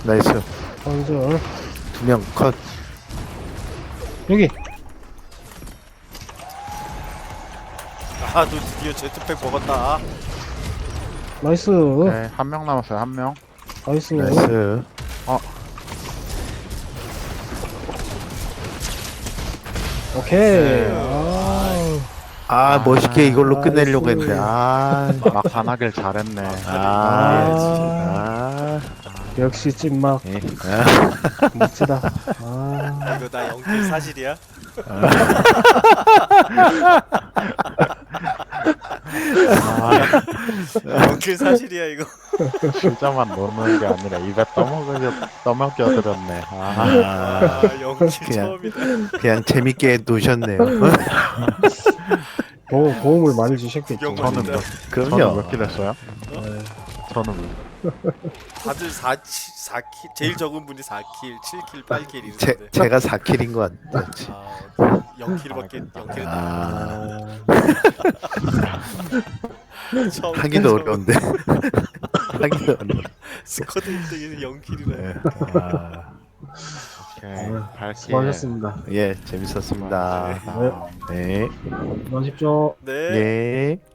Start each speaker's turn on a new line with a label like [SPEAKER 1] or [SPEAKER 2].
[SPEAKER 1] 나이스.
[SPEAKER 2] 건설.
[SPEAKER 1] 2명 컷.
[SPEAKER 2] 여기.
[SPEAKER 3] 아, 너 드디어 제트팩 먹었다.
[SPEAKER 2] 나이스.
[SPEAKER 4] 네, 한 명 남았어요. 한 명.
[SPEAKER 2] 나이스.
[SPEAKER 1] 나이스.
[SPEAKER 2] 오케이.
[SPEAKER 4] 네.
[SPEAKER 1] 아, 멋있게 이걸로
[SPEAKER 2] 나이스.
[SPEAKER 1] 끝내려고 했는데.
[SPEAKER 4] 막판하길 잘했네.
[SPEAKER 2] 역시 찐막
[SPEAKER 1] 예.
[SPEAKER 2] 멋지다. 아,
[SPEAKER 3] 이거 나 연길 사실이야? 연길 사실이야 이거.
[SPEAKER 4] 실자만 넣는 게 아니라 입에 떠먹여드렸네.
[SPEAKER 3] 아, 연길
[SPEAKER 1] 그냥.
[SPEAKER 3] 처음이다.
[SPEAKER 1] 그냥 재밌게 노셨네요.
[SPEAKER 2] 도움을 많이 주셨겠죠.
[SPEAKER 3] 구경
[SPEAKER 4] 저는
[SPEAKER 3] 진짜.
[SPEAKER 4] 저는
[SPEAKER 1] 그럼요.
[SPEAKER 4] 몇 킬 했어요?
[SPEAKER 2] 네.
[SPEAKER 4] 저는
[SPEAKER 3] 다들 4킬, 제일 적은 분이 4킬, 7킬, 8킬 이러는데.
[SPEAKER 1] 제가 4킬인 것 같지.
[SPEAKER 3] 아, 0킬밖에 0킬은
[SPEAKER 1] 아,
[SPEAKER 3] 처음
[SPEAKER 1] 하기도 어려운데. 하기도 어려운데.
[SPEAKER 3] 스쿼드 1등에서 0킬이라.
[SPEAKER 1] 아,
[SPEAKER 4] 오케이. 8킬.
[SPEAKER 2] 수고하셨습니다.
[SPEAKER 1] 예, 재밌었습니다.
[SPEAKER 4] 아,
[SPEAKER 1] 네.
[SPEAKER 2] 수고하십시오.
[SPEAKER 3] 네.
[SPEAKER 1] 예.